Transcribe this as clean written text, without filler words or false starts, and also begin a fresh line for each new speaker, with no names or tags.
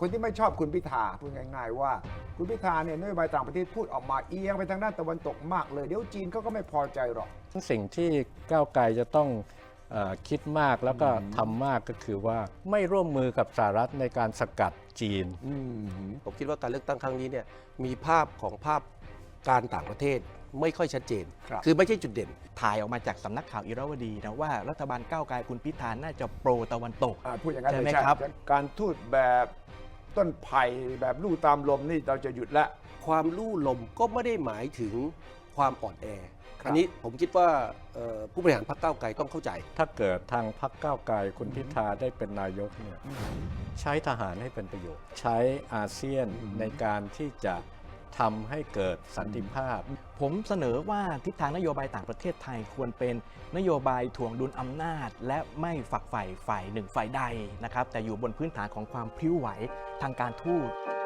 คนที่ไม่ชอบคุณพิธาพูดง่ายๆว่าคุณพิธาเนี่ยนโยบายต่างประเทศพูดออกมาเอียงไปทางด้านตะวันตกมากเลยเดี๋ยวจีนเขาก็ไม่พอใจหรอก
สิ่งที่ก้าวไกลจะต้องคิดมากแล้วก็ทำมากก็คือว่าไม่ร่วมมือกับสหรัฐในการสกัดจีน
ผมคิดว่าการเลือกตั้งครั้งนี้เนี่ยมีภาพการต่างประเทศไม่ค่อยชัดเจน คือไม่ใช่จุดเด่น
ถ่ายออกมาจากสำนักข่าวอิราวดีนะว่ารัฐบาลก้าวไกลคุณพิธาน่าจะโปรตะวันตก
พูดอย่างนั้น
ใช่
เลย
ไหม
ใช่
ครับ
การทูตแบบต้นไผ่แบบลู่ตามลมนี่เราจะหยุดละ
ความลู่ลมก็ไม่ได้หมายถึงความอ่อนแออันนี้ผมคิดว่าผู้บริหารพรรคก้าวไกลต้องเข้าใจ
ถ้าเกิดทางพรรคก้าวไกลคุณพิธาได้เป็นนายกเนี่ยใช้ทหารให้เป็นประโยชน์ใช้อาเซียนในการที่จะทำให้เกิดสันติภาพ
ผมเสนอว่าทิศทางนโยบายต่างประเทศไทยควรเป็นนโยบายถ่วงดุลอำนาจและไม่ฝักใฝ่ฝ่ายหนึ่งฝ่ายใดนะครับแต่อยู่บนพื้นฐานของความพลิ้วไหวทางการทูต